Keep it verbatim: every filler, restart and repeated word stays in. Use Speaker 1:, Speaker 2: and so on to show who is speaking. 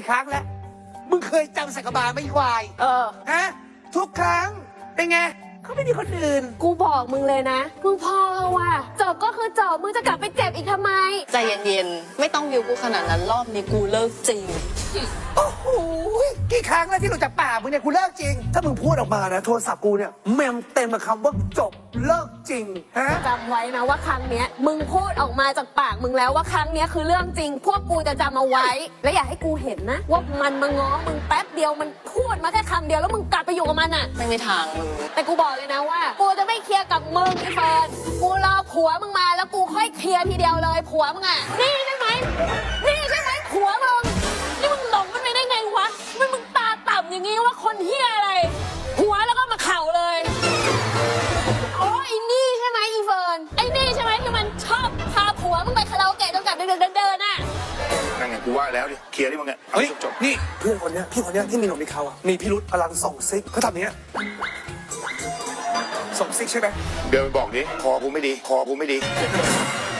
Speaker 1: ครั้งแล้วมึงเคยจำสักกะบาลไหมควาย
Speaker 2: เออ
Speaker 1: ฮะทุกครั้งเป็นไงเขาไม่มีคนอื่น
Speaker 2: กูบอกมึงเลยนะมึงพอว่ะจบก็คือจบมึงจะกลับไปเจ็บอีกทำไม
Speaker 3: ใจเย็นๆ ไม่ต้องวิวกูขนาดนั้นรอบนี้กูเลิกจริง
Speaker 1: โอ้โหกี่ครั้งแล้วที่หลุดจากปากมึงเนี่ยกูเลิกจริง ถ้ามึงพูดออกมานะโทรศัพท์กูเนี่ยเมมเต็มกับคำว่าจบเลิกจริงฮะ
Speaker 2: จำไว้นะว่าครั้งเนี้ยมึงพูดออกมาจากปากมึงแล้วว่าครั้งเนี้ยคือเรื่องจริง พวกกูจะจำเอาไว้ และอย่าให้กูเห็นนะว่ามันมาง้อมึงแป๊บเดียวมันพูดมาแค่คำเดียวแล้วมึงกลับไปอยู่กับมันอ่ะ
Speaker 3: ไม่มีทางมึง
Speaker 2: แต่กูบอกเลยนะว่ากูจะไม่เคลียร์กับมึงไอ้เฟิร์นกูรอผัวมึงมาแล้วกูค่อยเคลียร์ทีเดียวเลยผัวมึงอ่ะนี่ใช่ไหมนี่ใช่ไหมผัวมึงนี่มึงหลงมันไปได้ไงวะมันมึงตาต่ำอย่างงี้ว่าคนเฮียอะไรหัวแล้วก็มาเข่าเลยโอ้ไอ้นี่ใช่ไหมอีเฟิร์นไอ้นี่ใช่ไหมที่มันชอบพาผัวมึงไปคาราโอเกะจนกลับดึกๆเดินๆน่ะ
Speaker 4: นั่นไงกูว่าแล้วดิเคลียร์ที่มึงอ่ะเอา
Speaker 1: เฮ้ย
Speaker 4: จบ
Speaker 1: นี่เพื่อนคนเนี้ยพี่คนเนี้ยที่มีหนวดมีเขาอะมีพิรุธพลังส่งซิกเขาทำอย่างเนี้ยส่งซิกใช่ไหม
Speaker 4: ๆเดินไปบอกดิคอกูไม่ดีคอกูไม่ดี